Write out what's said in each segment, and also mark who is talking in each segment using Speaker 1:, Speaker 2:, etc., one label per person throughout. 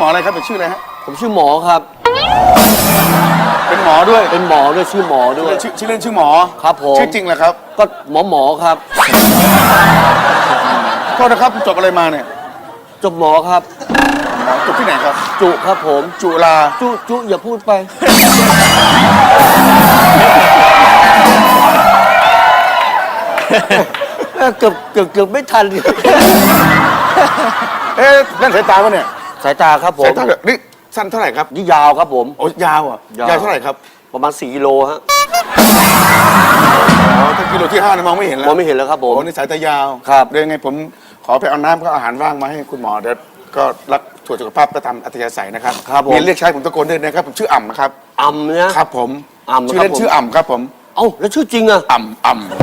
Speaker 1: หมออะไรครับเป็นชื่ออะไรฮะ
Speaker 2: ผมชื่อหมอครับ
Speaker 1: เป็นหมอด้วย
Speaker 2: เป็นหมอด้วยชื่อหมอด้วย
Speaker 1: ชื่อเล่นชื่อหมอ
Speaker 2: ครับผม
Speaker 1: ชื่อจริงเหรอครับ
Speaker 2: ก็หมอครับ
Speaker 1: โทษนะครับจบอะไรมาเนี่ย
Speaker 2: จบหมอครับ
Speaker 1: จบที่ไหนครับ
Speaker 2: จุครับผม
Speaker 1: จุฬา
Speaker 2: จุอย่าพูดไปเกือบไม่ทัน
Speaker 1: นั่นสายตาปะเนี่ย
Speaker 2: สายตาครับผม
Speaker 1: สายตานี่สั้นเท่าไหร่ครับ
Speaker 2: นี่ยาวครับผม
Speaker 1: โอ้ยาวอ่ะยาวเท่าไหร่ครับ
Speaker 2: ประมาณ4 กิโลฮะ
Speaker 1: อ๋อถ้ากิโลที่5มองไม่เห็นแล้ว
Speaker 2: มองไม่เห็นแล้วครับผม
Speaker 1: โอ้นี่สายตายาว
Speaker 2: ครับ
Speaker 1: เดี๋ยวยังไงผมขอไปเอาน้ำกับอาหารว่างมาให้คุณหมอเดี๋ยวก็รักตรวจสุขภาพประจำอัธยาศัยนะครับ
Speaker 2: ครับผม
Speaker 1: มีเรียกใช้ผมตะโกนด้วยนะครับผมชื่ออ่ำนะครับ
Speaker 2: อ่ำนะครับ
Speaker 1: ผมชื่อเล่นชื่ออ่ำครับผม
Speaker 2: เอ้าแล้วชื่อจริงอะ
Speaker 1: อ่ำ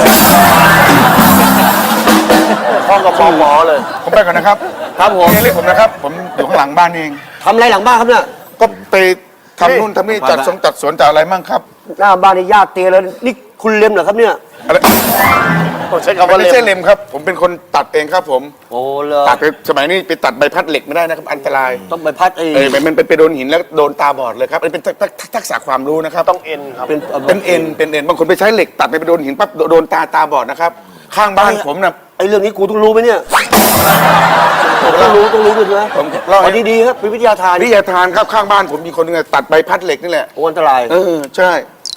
Speaker 2: พ่อกับหมอเลย
Speaker 1: ผมไปก่อนนะครับ
Speaker 2: ครับผม
Speaker 1: เรียกผมนะครับผมอยู่ข้างหลังบ้านเอง
Speaker 2: ทำอะไรหลังบ้านครับเนี่ย
Speaker 1: ก็ไปทำนู่นทำนี่จัดสวนจัดอะไรมั่งครับ
Speaker 2: หน้าบ้านนี่ญาติเตียแล้วนี่คุณเล็มเหรอครับเนี่ย
Speaker 1: อะไร
Speaker 2: ใช้คำว่า
Speaker 1: ไม่ใช่เล็มครับผมเป็นคนตัดเองครับผม
Speaker 2: โอ้เลย
Speaker 1: ตัดไปสมัยนี้ไปตัดใบพัดเหล็กไม่ได้นะครับอันตราย
Speaker 2: ต้องใบพัด
Speaker 1: มันไปโดนหินแล้วโดนตาบอดเลยครับเป็นทักษะความรู้นะครับ
Speaker 2: ต้องเอ็นครับ
Speaker 1: เป็นเอ็นบางคนไปใช้เหล็กตัดไปโดนหินปั๊บโดนตาบอดนะครับข้างบ้านผมนะ
Speaker 2: ไอ้เรื่องนี้กูต้องรู้ไหมเนี่ยต้องรู้ด้วยนะ
Speaker 1: ผมเล่าให้
Speaker 2: ดีๆครับเป็นวิทยาทาน
Speaker 1: ครับข้างบ้านผมมีคนนึงตัดใบพัดเหล็กนี่แหละ
Speaker 2: อันตราย
Speaker 1: ใช่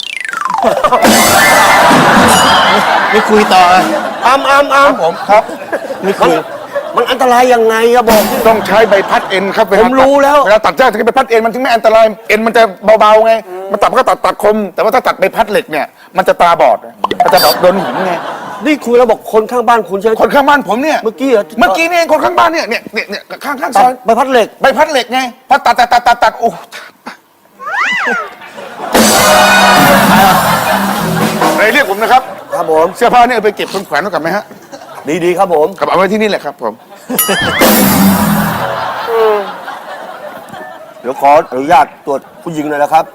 Speaker 2: ไม่คุยต่อผมครับไม่คุยมันอันตรายยังไงอะบอก
Speaker 1: ต้องใช้ใบพัดเอ็นครับ
Speaker 2: ผมรู้แล้ว
Speaker 1: เวลาตัดหญ้าถึงใบพัดเอ็นมันถึงไม่อันตรายเอ็นมันจะเบาๆไงมันตัดก็ตัดคมแต่ว่าถ้าตัดใบพัดเหล็กเนี่ยมันจะตาบอดมันจะโดนหินไง
Speaker 2: นี่คุยแล้วบอกคนข้างบ้านคุณใช่ไหม
Speaker 1: คนข้างบ้านผมเนี่ย
Speaker 2: เมื่อกี้
Speaker 1: นี่เองคนข้างบ้านเนี่ยข้างซอย
Speaker 2: ใบพัดเหล็ก
Speaker 1: ไงพอตัดโอ้เรียกผมนะครับ
Speaker 2: ครับผม
Speaker 1: เสื้อผ้าเนี่ยไปเก็บคนแขวนไว้กับไหมฮะ
Speaker 2: ดีครับผม
Speaker 1: กับเอาไว้ที่นี่แหละครับผม
Speaker 2: เดี๋ยวขออนุญาตตรวจผู้หญิงหน่อยนะครับ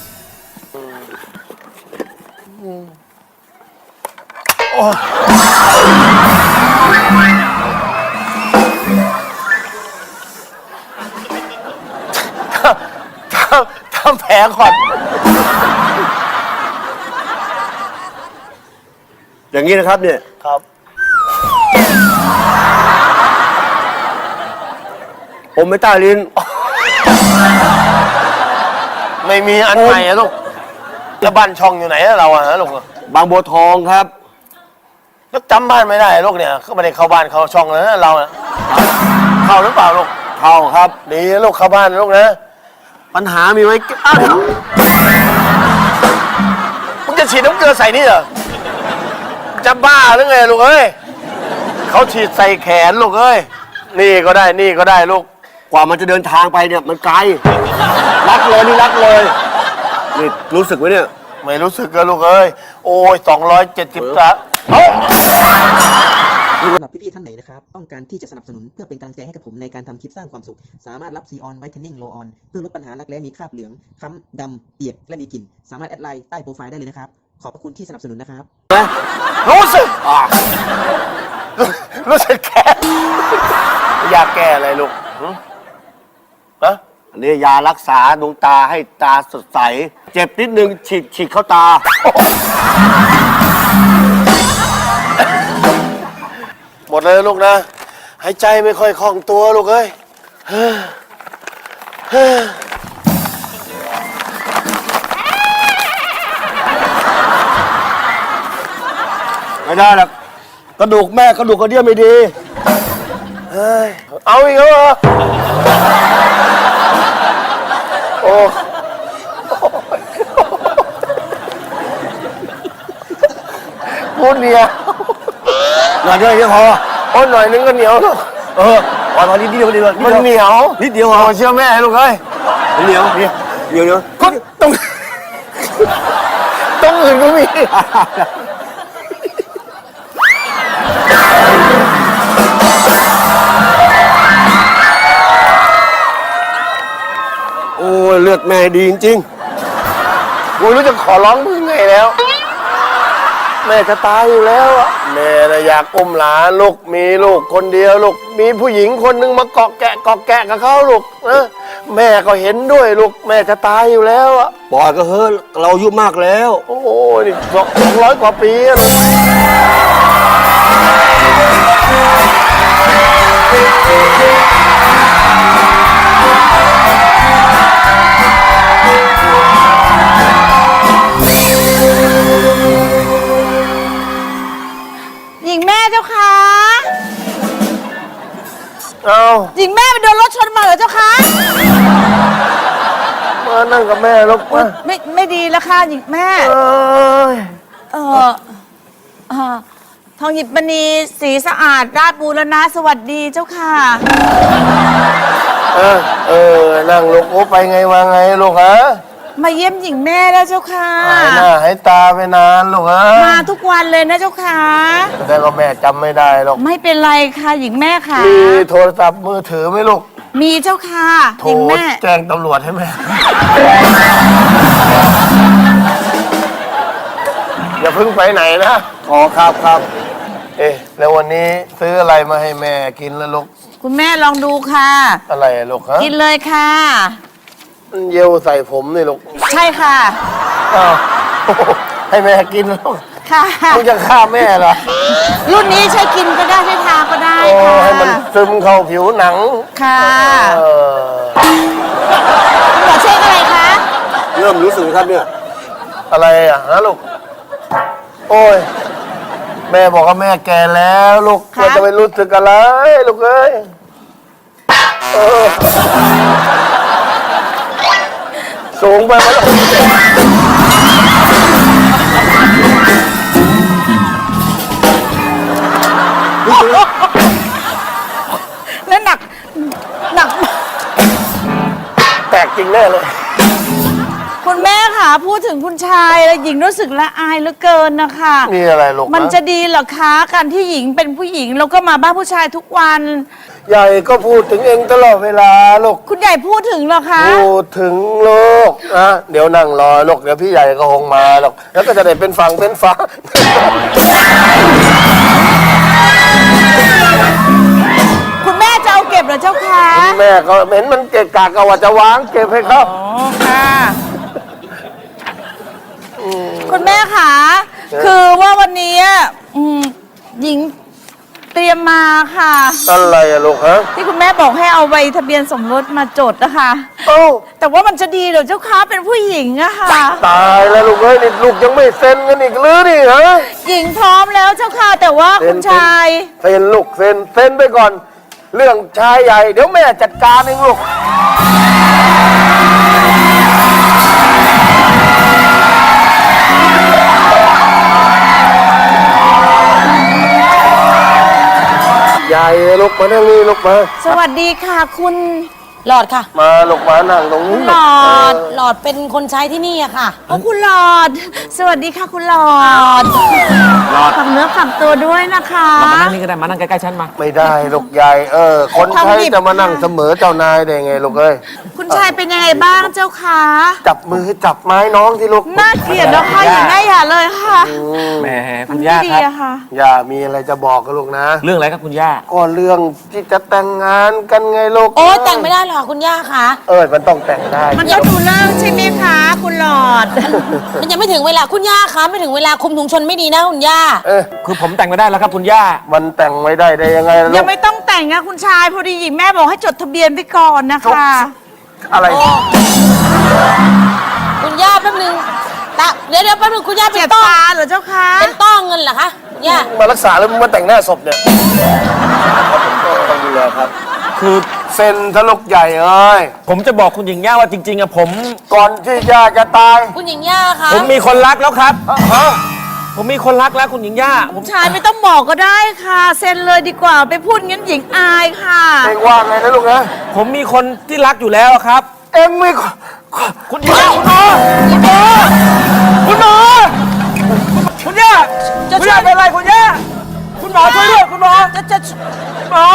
Speaker 2: ทำแผลก่อนอย่างนี้นะครับเนี่ยครับผมไม่ใต้ลิ้น
Speaker 3: ไม่มีอันใหม่อะลูกแล้วบ้านช่องอยู่ไหนเราอะลูก
Speaker 2: บางบัวทองครับ
Speaker 3: แล้วจำบ้านไม่ได้ลูกเนี่ยก็ไม่ได้เข้าบ้านเข้าช่องเลยนะเราเข้าหรือเปล่าลูก
Speaker 2: เข้าครับ
Speaker 3: ดีลูกเข้าบ้านลูกนะ
Speaker 2: ปัญหามีไหม
Speaker 3: มึงจะฉีดน้ำเกลือใส่นี่เหรอจะบ้าหรือไงลูกเอ้ยเขาฉีดใส่แขนลูกเอ้ยนี่ก็ได้ลูก
Speaker 2: กว่ามันจะเดินทางไปเนี่ยมันไกลรักเลยนี่รู้สึกไหมเนี่ย
Speaker 3: ไม่รู้สึกเลยลูกเอ้ยโอ้ย270จ้ะ
Speaker 4: สำหรับพี่ๆท่านไหนนะครับต้องการที่จะสนับสนุนเพื่อเป็นกำลังใจให้กับผมในการทำคลิปสร้างความสุขสามารถรับซีออนไวท์เทนนิ่งโลออนเพื่อลดปัญหารักแร้มีคราบเหลืองค้ำดำเปียกและมีกลิ่นสามารถแอดไลน์ใต้โปรไฟล์ได้เลยนะครับขอบพระคุณที่สนับสนุนนะครับ
Speaker 3: รู้สึกแก่อยากแก้อะไรลูก
Speaker 2: อันนี้ยารักษาดวงตาให้ตาสดใสเจ็บนิดนึงฉีดเข้าตา
Speaker 3: หมดเลยลูกนะหายใจไม่ค่อยคล่องตัวลูกเอ้ย
Speaker 2: ไม่ได้หรอกกระดูกแม่กระดูกกระเดี่ยวไม่ดี
Speaker 3: เอาอีกแล้วเหรอโอ้พูดเนี่ย
Speaker 2: หน่อยเดียวพอ
Speaker 3: โอ้หน่อยนึงก็เหนียวลูก
Speaker 2: พอนิดเดียว
Speaker 3: มันเหนียว
Speaker 2: นิดเดียว
Speaker 3: พอเชื่อแม่ลูกเอ้ย
Speaker 2: เหนียว
Speaker 3: ก็ต้องอื่นก็มี
Speaker 2: โอ้เลือดแม่ดีจริง
Speaker 3: ๆกูรู้จะขอร้องมึงไงแล้วแม่จะตายอยู่แล้วอะแม่น่ะอยากอุ้มหลานลูกมีลูกคนเดียวลูกมีผู้หญิงคนหนึ่งมาเกาะแกะกับเขาลูกนะแม่ก็เห็นด้วยลูกแม่จะตายอยู่แล้วอะ
Speaker 2: ปล่อยก็เฮ้ยเราอายุมากแล้ว
Speaker 3: โอ้โหนี่200 กว่าปีอะลูก
Speaker 5: หญิงแม่เจ้าคะ
Speaker 3: เอา
Speaker 5: หญิงแม่ไปโดนรถชนมาเหรอเจ้าคะ
Speaker 3: มานั่งกับแม่ลูกมา
Speaker 5: ไม่ดีแล้วค่ะหญิงแม่
Speaker 3: เอ้ย
Speaker 5: เออเออทองหยิบมณีสีสะอาดราชบูรณะสวัสดีเจ้าค่ะ
Speaker 3: นั่งลูกโอ้ไปไงมาไงลูกฮะ
Speaker 5: มาเยี่ยมหญิงแม่แล้วเจ้าค่ะ
Speaker 3: หายหน้าหายตาไปนานลูกฮะ
Speaker 5: มาทุกวันเลยนะเจ้าค่ะ
Speaker 3: แต่ก็แม่จำไม่ได้หรอก
Speaker 5: ไม่เป็นไรค่ะหญิงแม่ค่ะ
Speaker 3: มีโทรศัพท์มือถือไหมลูก
Speaker 5: มีเจ้าค่ะ
Speaker 3: โท
Speaker 5: หญิง
Speaker 3: ร
Speaker 5: แม่
Speaker 3: แจ้งตำรวจให้แม่ อย่าเพิ่งไปไหนนะขอครับ เอ๊ะแล้ววันนี้ซื้ออะไรมาให้แม่กินแล้วลูก
Speaker 5: คุณแม่ลองดูค่ะ
Speaker 3: อะไรอะลูกฮะ
Speaker 5: กินเลยค่ะ
Speaker 3: มันเยี่ยวใส่ผมนี่ลูก
Speaker 5: ใช่ค่ะ
Speaker 3: อ้าวให้แม่กินลูก
Speaker 5: ค่ะ
Speaker 3: มึงจะฆ่าแม่เหรอ
Speaker 5: รุ่นนี้ใช้กินก็ได้ใช้ทาก็ได้
Speaker 3: โอ้
Speaker 5: ค่ะ
Speaker 3: ให้มันซึมเข้าผิวหนัง
Speaker 5: ค่ะ
Speaker 3: เออ
Speaker 5: คุณหมอเช็คอะไรคะ
Speaker 2: เริ่มรู้สึกครับเนี่ย
Speaker 3: อะไรอ่ะฮะลูก โอ้ย แม่บอกว่าแม่แก่แล้วลูกมันจะไปรู้สึกอะไรลูกเอ้ยเออสูงไปไหมลูก
Speaker 5: แล้วหนัก
Speaker 3: แตกจริงแน่เลย
Speaker 5: คุณแม่ค่ะพูดถึงคุณชายแล้วหญิงรู้สึกละอายเหลือเกินนะคะ
Speaker 3: นี่อะไรลูก
Speaker 5: มันจะดีเหรอคะการที่หญิงเป็นผู้หญิงแล้วก็มาบ้านผู้ชายทุกวัน
Speaker 3: ใหญ่ก็พูดถึงเองตลอดเวลาลูก
Speaker 5: คุณใหญ่พูดถึงเหรอคะ
Speaker 3: พูดถึงลูกนะเดี๋ยวนั่งรอลูกเดี๋ยวพี่ใหญ่ก็คงมาหรอกแล้วก็จะได้เป็นฝั่งเป็นฝา
Speaker 5: คุณแม่จะเอาเก็บเหรอเจ้าคะ
Speaker 3: แม่ก็เห็นมันเกะกะก็ว่าจะวางเก็บให้เขา
Speaker 5: อ๋อค่ะคุณแม่ค่ะคือว่าวันนี้หญิงเตรียมมาค่ะ
Speaker 3: อะไรอะลูกฮะ
Speaker 5: ที่คุณแม่บอกให้เอาใบทะเบียนสมรสมาจดนะคะ
Speaker 3: เอ้า
Speaker 5: แต่ว่ามันจะดีเหรอเจ้าคะเป็นผู้หญิงอะค่ะ
Speaker 3: ตายแล้วลูกเอ้ยนี่ลูกยังไม่เซ็นกันอีกหรือนี่ฮะ
Speaker 5: หญิงพร้อมแล้วเจ้าค่ะ แต่ว่าคุณชาย
Speaker 3: เซ็นลูกเซ็นไปก่อน เรื่องชายใหญ่เดี๋ยวแม่จัดการเองลูกใหญ่ลูกมานั่งนี่ลูกมา
Speaker 5: สวัสดีค่ะ คุณ
Speaker 6: หลอดค่ะ
Speaker 3: มาลูกมานั่งตรงนี้
Speaker 5: หลอด
Speaker 6: หลอดเป็นคนใช้ที่นี่อะค่ะ
Speaker 5: โอ้คุณหลอด สวัสดีค่ะคุณหลอดฝากเนื้อฝากตัวด้วยนะคะ
Speaker 7: มานั่งนี่ก็ได้ มานั่งใกล้ๆฉันมา
Speaker 3: ไม่ได้ลูกใหญ่คนใช้จะมานั่งเสมอเจ้านายได้ไงลูกเอ้ย
Speaker 5: คุณชายเป็นยังไงบ้างเจ้าคะ
Speaker 3: จับมือจับไม้น้องที่ลูก
Speaker 5: น่าเกลียดแล้วค่ะอย่างง่ายอย่าเลยค่ะ
Speaker 7: แหม
Speaker 5: มั
Speaker 7: คุ
Speaker 5: น
Speaker 7: ณ
Speaker 5: ไม่
Speaker 7: ย่า
Speaker 5: ดี
Speaker 7: ครับ
Speaker 5: อะค่ะ
Speaker 3: อย่ามีอะไรจะบอกกับลูกนะ
Speaker 7: เรื่องอะไรครับคุณย่า
Speaker 3: ก็เรื่องที่จะแต่งงานกันไงลูก
Speaker 6: โอ้แต่งไม่ได้หรอกคุณย่าค่ะ
Speaker 3: มันต้องแต่งได้
Speaker 5: มันก็ดูเลิกใช่ไหมคะ คุณหลอด
Speaker 6: มันยังไม่ถึงเวลาคุณย่าคะไม่ถึงเวลาคุมถุงชนไม่ดีนะคุณย่า
Speaker 7: คือผมแต่งไม่ได้แล้วครับคุณย่า
Speaker 3: มันแต่งไม่ได้ยังไงลู
Speaker 5: ยัง
Speaker 3: ก
Speaker 5: ไม่ต้องแต่งนะคุณชายพอดีหญิงแม่บอกให้จดทะเบียนไปก่อนนะคะ
Speaker 3: อะไร
Speaker 6: คุณย่าแป๊บนึงเดี๋ยวแป๊บนึงคุณย่าเป็
Speaker 5: เจ็บ
Speaker 6: นต้อ
Speaker 5: ตาเหรอเจ้าคะ
Speaker 6: เป็นต้อเงินเหรอคะย่า
Speaker 3: มารักษาแล้วมึงมาแต่งหน้าศพเนี่ยต้องดูแลครับ
Speaker 7: คือ
Speaker 3: เซ็นทะลุกใหญ่เอ้ย
Speaker 7: ผมจะบอกคุณหญิงย่าว่าจริงๆอะผม
Speaker 3: ก่อนที่ย่าจะตาย
Speaker 6: คุณหญิงย่าคะ
Speaker 7: ผมมีคนรักแล้วครับ ผมมีคนรักแล้วคุณหญิงย่าผม
Speaker 5: ชายไม่ต้องบอกก็ได้ค่ะเซ็นเลยดีกว่าไปพูดงั้นหญิงอายค่ะ
Speaker 3: เองว่าไงนะลูกนะ
Speaker 7: ผมมีคนที่รักอยู่แล้วครับ
Speaker 3: เอ็งไม่
Speaker 7: คุณหญิงย่าคุณหมอคุณย่าคุณย่าเป็นอะไรคุณย่าคุณหมอช่วยด้วยคุณหมอหมอ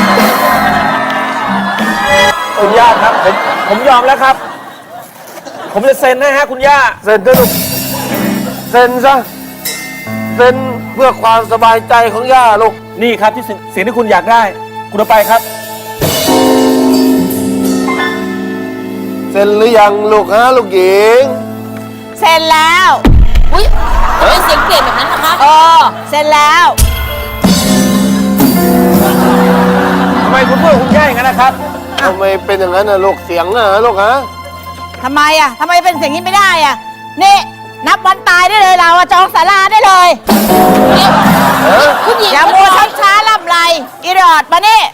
Speaker 7: คุณย่าครับผมยอมแล้วครับผมจะเซ็นนะฮะคุณย่า
Speaker 3: เซ็นเถอะลูกเซ็นซะเซ็นเพื่อความสบายใจของย่าลูก
Speaker 7: นี่ครับที่สิ่งที่คุณอยากได้ คุณเอาไปครับ
Speaker 3: เซ็นหรือยังลูกฮะลูกหญิง
Speaker 5: เซ็นแล้ว
Speaker 6: อุ้ยทำไมเสียงเปลี่ยนแบบนั้นนะคะ
Speaker 5: เซ็นแล้ว
Speaker 7: ทำไมคุณพูดกับคุณย่าอย่างนั้นนะครับ
Speaker 3: ทำไมเป็นอย่างนั้นนะลูกเสียงนะลูกฮะ
Speaker 5: ทำไมอ่ะทำไมเป็นอย่างนี้ไม่ได้อ่ะ นี่ นับวันตายได้เลยเราอะจองศาลาได้เลย
Speaker 6: คุณหญิง
Speaker 5: อย่ามัวช้าช้าล่ำไรอีรอดมานี่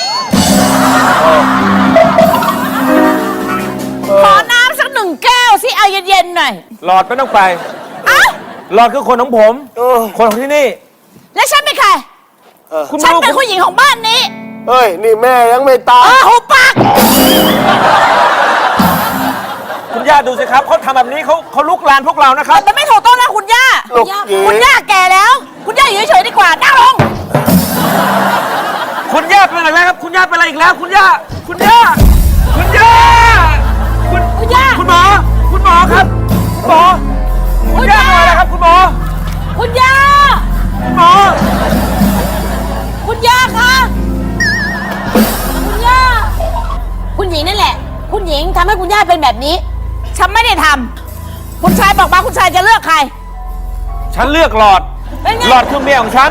Speaker 5: ขอน้ำสัก1 แก้วสิเอาเย็นๆหน่อย
Speaker 7: หลอดไม่ต้องไป
Speaker 5: อ้าว
Speaker 7: หลอดคือคนของผม คนของที่นี่
Speaker 5: แล้วฉันเป็นใคร
Speaker 7: คุณ
Speaker 5: ฉัน
Speaker 7: รู้
Speaker 5: เป็นผู้หญิงของบ้านนี้
Speaker 3: เฮ้ยนี่แม่ยังไม่ตาย
Speaker 5: หุบปาก
Speaker 7: คุณย่าดูสิครับเขาทำแบบนี้เขาลุกลานพวกเรานะครับ
Speaker 5: มันไม่ถูกต้องนะคุณย่า
Speaker 3: ลูกหญิง
Speaker 5: คุณย่าแก่แล้ว คุณย่าอยู่เฉยๆดีกว่านั่งลง
Speaker 7: คุณย่าเป็นอะไรแล้วครับ คุณย่าเป็นอะไรอีกแล้ว คุณย่า คุณย่า คุณย่า
Speaker 5: คุณย่า
Speaker 7: คุณหมอ คุณหมอครับ คุณหมอ คุณย่าเป็นอะไรครับ คุณหมอ
Speaker 5: คุณย่า
Speaker 7: คุณหมอ
Speaker 5: คุณย่าคะคุณย่า
Speaker 6: คุณหญิงนั่นแหละ คุณหญิงทำให้คุณย่าเป็นแบบนี้
Speaker 5: ฉันไม่ได้ทำคุณชายบอกมาคุณชายจะเลือกใคร
Speaker 7: ฉันเลือกหลอด
Speaker 5: เป็นไง
Speaker 7: หลอดคือเมียของฉัน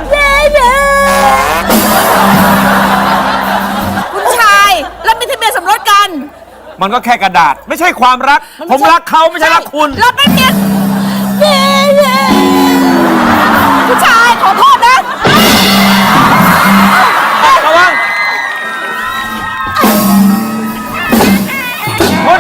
Speaker 5: คุณชายเราเป็นทะเบียนสมรสกัน
Speaker 7: มันก็แค่กระดาษ ไม่ใช่ความรัก ผมรักเขาไม่ใช่รักคุณ
Speaker 5: เราเป็นเมียคุณชายขอโทษนะ
Speaker 7: ระวังคุณ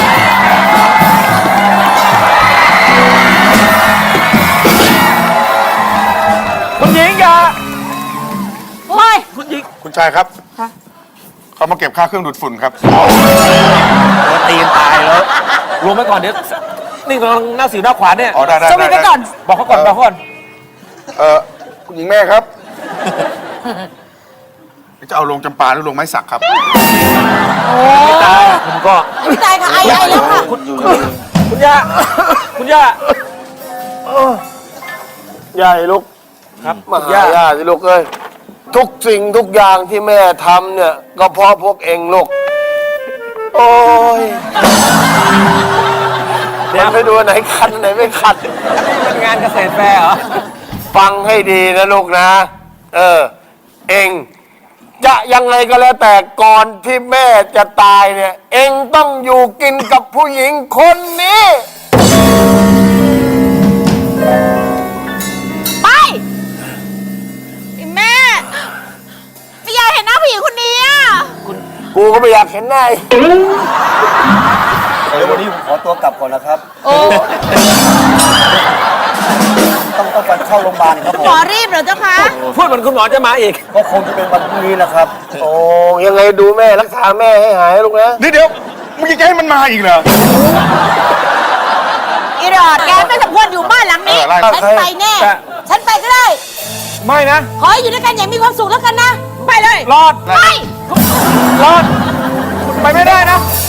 Speaker 7: คุณหญิงอย่า
Speaker 5: โอ้ย
Speaker 7: คุณหญิง
Speaker 1: คุณชายครับเขามาเก็บค่าเครื่องดูดฝุ่นครับ
Speaker 7: ตีนตายแล้วรวมไปก่อนเดี๋ยวนี่กำลังหน้าสิวหน้าขวานเนี่ย
Speaker 1: อ๋อได้ได้
Speaker 5: สวีทไปก่อน
Speaker 7: บอกเขาก่อนบอกเขาก่อน
Speaker 1: คุณหญิงแม่ครับ จะเอาลงจำปาหรือลงไม้สักครับ
Speaker 7: ไม่ตายผมก็
Speaker 6: ไม่ตายค่ะไอแล้วค่ะ
Speaker 7: คุณย่า คุณย่า
Speaker 3: ใหญ่ลูก
Speaker 7: ครับ
Speaker 3: มา
Speaker 7: คุณ
Speaker 3: หา
Speaker 7: ย่า
Speaker 3: ย่าสิลูกเอ้ยทุกสิ่งทุกอย่างที่แม่ทำเนี่ย ก็เพราะพวกเองลูก โอ้ยเดี๋ยวไปดูอันไหนคันอันไหนไม่คัน
Speaker 7: เป็นงานเกษตรแฟร์เหรอ
Speaker 3: ฟังให้ดีนะลูกนะ เองจะยังไงก็แล้วแต่ก่อนที่แม่จะตายเนี่ย เองต้องอยู่กินกับผู้หญิงคนนี้
Speaker 5: ไปไอ้แม่ไม่อยากเห็นหน้าผู้หญิงคนนี้อ่ะ
Speaker 3: กูก็ไม่อยากเห็นหน้าอีก
Speaker 2: เดี๋ยววันนี้ผมขอตัวกลับก่อนนะครับ
Speaker 5: โอ้
Speaker 2: ต้องไปเข้าโรงพยาบาลครับผ
Speaker 5: หม
Speaker 2: ม
Speaker 5: อรีบเหรอเจ้าคะ
Speaker 7: พูดเหมือนคุณหมอจะมาอีก
Speaker 2: ก็คงจะเป็นวันพรุ่งนี้นะครับ
Speaker 3: โอ้ยังไงดูแม่รักษาแม่ให้หายลูกนะ
Speaker 1: เดี๋ยวมึงจะให้มันมาอีกเหรอ
Speaker 5: อีรอดแกไม่สมควรอยู่บ้านหลังนี้
Speaker 1: ไล่
Speaker 6: ฉันไปแน่
Speaker 7: แต่
Speaker 6: ฉันไปก็ได้
Speaker 7: ไม่นะ
Speaker 6: ขอให้อยู่ด้วยกันอย่างมีความสุขแล้วกันนะ
Speaker 5: ไปเลย
Speaker 7: รอด
Speaker 5: ไป
Speaker 7: รอด คุณไปไม่ได้นะ
Speaker 5: ไ